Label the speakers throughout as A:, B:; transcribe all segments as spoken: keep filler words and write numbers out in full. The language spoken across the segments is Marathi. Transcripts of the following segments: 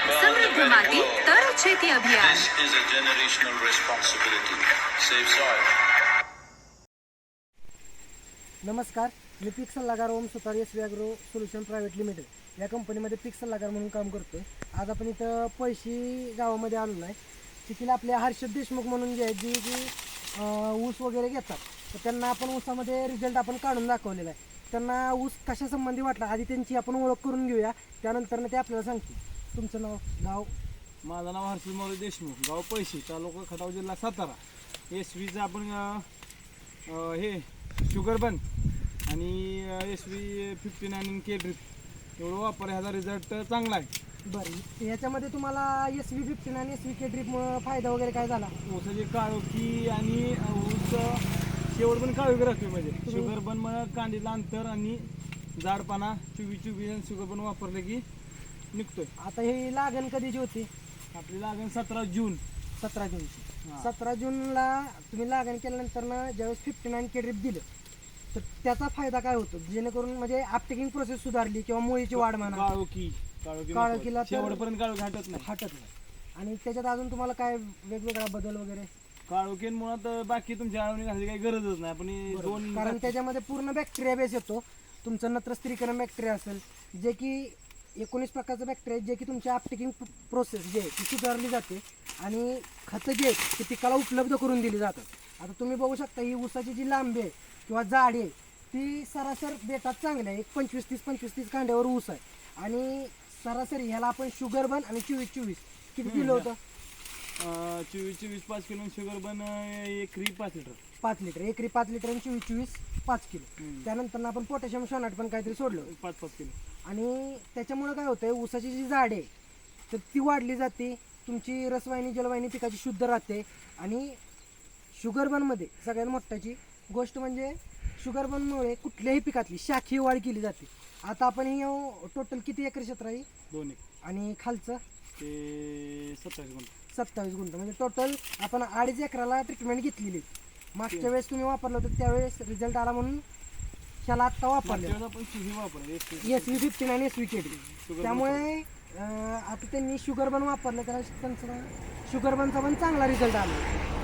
A: समृद्ध माती तर शेती अभियान.
B: This is a generational responsibility. Save soil.
C: नमस्कार, मी पीक सल्लागार Om Sutar S agro solution private limited या कंपनीमध्ये पीक सल्लागार म्हणून काम करतोय. आज आपण इथं पैशी गावामध्ये आलो आहे. तिथील आपल्या हर्षद देशमुख म्हणून जे आहेत जी की ऊस वगैरे घेतात, तर त्यांना आपण ऊसामध्ये रिझल्ट आपण काढून दाखवलेला आहे. त्यांना ऊस कशा संबंधी वाटला आधी त्यांची आपण ओळख करून घेऊया, त्यानंतर ते आपल्याला सांगतील. तुमचं नाव, गाव?
D: माझं नाव हर्षद मौली देशमुख, गाव पैशी, तालुका खटाव, जिल्हा सातारा. एस व्हीचं आपण अं, हे शुगर बन आणि S V fifty nine K drip एवढं वापर, ह्याचा रिझल्ट चांगला आहे.
C: बरं, याच्यामध्ये तुम्हाला S V fifty nine S V K ड्रिपमुळं फायदा वगैरे काय झाला?
D: ऊसाची काळोखी आणि ऊस शेवट पण काळोखी राहते. म्हणजे शुगर बन मग कांडीला अंतर आणि जाडपाना चोवीस चोवीस आणि शुगर बन वापरले की निघतोय.
C: आता ही लागण कधीची होती?
D: आपली लागण सतरा जून
C: सतरा जूनची.
D: हां.
C: सतरा जूनला तुम्ही लागण केल्यानंतर ना ज्यावेळेस फिफ्टी नाईन के ड्रिप दिलं, तर त्याचा फायदा काय होतो? जेणेकरून म्हणजे अपटेकिंग प्रोसेस सुधारली किंवा मुळीची वाढ म्हणा,
D: काळोखी काळोखी
C: काळोखीला तर-
D: शेवटपर्यंत काळोखी हटत नाही
C: हटत नाही. आणि त्याच्यात अजून तुम्हाला काय वेगवेगळा बदल वगैरे?
D: काळोखीन मुळात बाकी तुमच्या आळवणी घालायची काही गरजच नाही. आपण हे दोन
C: कारण त्याच्यामध्ये पूर्ण बॅक्टेरिया बेस येतो. तुमचं नत्र स्त्रीकरण बॅक्टेरिया असेल, जे की एकोणीस प्रकारचं बॅक्टेरिया जे की तुमच्या अपटेकिंग प्रोसेस जे आहे ती सुधारली जाते आणि खतं जे आहेत ते पिकाला उपलब्ध करून दिली जातात. आता तुम्ही बघू शकता ही ऊसाची जी लांबी आहे किंवा जाडी आहे ती सरासर बेटात चांगली आहे. एक पंचवीस तीस पंचवीस तीस कांड्यावर ऊस आहे आणि सरासरी ह्याला आपण शुगर बन आणि चोवीस चोवीस किती दिलं होतं?
D: चोवीस चोवीस पाच किलो शुगर बन एकरी पाच लिटर
C: पाच लिटर एकरी पाच लिटर आणि चोवीस चोवीस पाच किलो. त्यानंतर आपण पोटॅशियम शोनाट पण काहीतरी सोडलं
D: पाच पाच किलो.
C: आणि त्याच्यामुळे काय होतंय, ऊसाची जी झाड आहे तर ती वाढली जाते, तुमची रसवाहिनी जलवाहिनी पिकाची शुद्ध राहते. आणि शुगर बनमध्ये सगळ्यात मोठाची गोष्ट म्हणजे शुगर बनमुळे कुठल्याही पिकातली शाखीय वाढ केली जाते. आता आपण ही टोटल किती एकर क्षेत्र आहे?
D: दोन एक
C: आणि खालचं
D: ते सत्तावीस गुंठ.
C: सत्तावीस गुंठ, म्हणजे टोटल आपण अडीच एकराला ट्रीटमेंट घेतलेली. मागच्या वेळेस तुम्ही वापरलं होतं त्यावेळेस रिझल्ट आला म्हणून ह्याला आत्ता वापरले
D: आपण हे वापरलं
C: एस व्ही फिफ्टीन आणि एस व्ही के डी. त्यामुळे अं, आता त्यांनी शुगर बन वापरलं, त्याला त्यांचा शुगर बनचा पण चांगला रिझल्ट आला.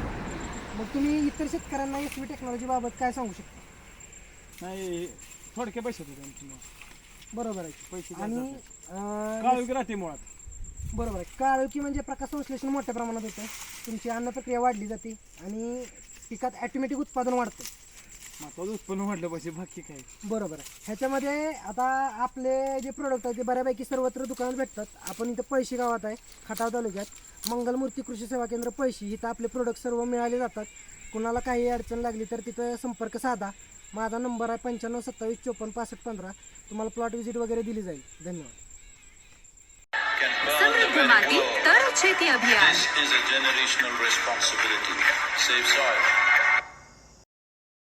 C: मग तुम्ही इतर शेतकऱ्यांना एस व्ही टेक्नॉलॉजी बाबत काय सांगू शकता?
D: नाही, थोडक्या पैशात होते
C: बरोबर आहे.
D: पैसे
C: आणि अं,
D: काळोखी राहते मुळात.
C: बरोबर आहे. काळोखी म्हणजे प्रकाश संश्लेषण मोठ्या प्रमाणात होतं, तुमची अन्न प्रक्रिया वाढली जाते आणि पिकात ॲटोमॅटिक उत्पादन वाढतं.
D: महत्वाचं उत्पन्न वाढलं पाहिजे, बाकी काय.
C: बरोबर आहे. ह्याच्यामध्ये आता आपले जे प्रोडक्ट आहेत ते बऱ्यापैकी सर्वत्र दुकानात भेटतात. आपण इथं पैशी गावात आहे, खटाव तालुक्यात मंगलमूर्ती कृषी सेवा केंद्र पैशी, इथं आपले प्रोडक्ट सर्व मिळाले जातात. कुणाला काही अडचण लागली तर तिथं संपर्क साधा. माझा नंबर आहे पंच्याण्णव सत्तावीस चोपन्न पासष्ट पंधरा. तुम्हाला प्लॉट व्हिजिट वगैरे दिली जाईल. धन्यवाद.
A: समृद्ध माती तर शेती अभियान.
B: This is a generational responsibility. Save soil.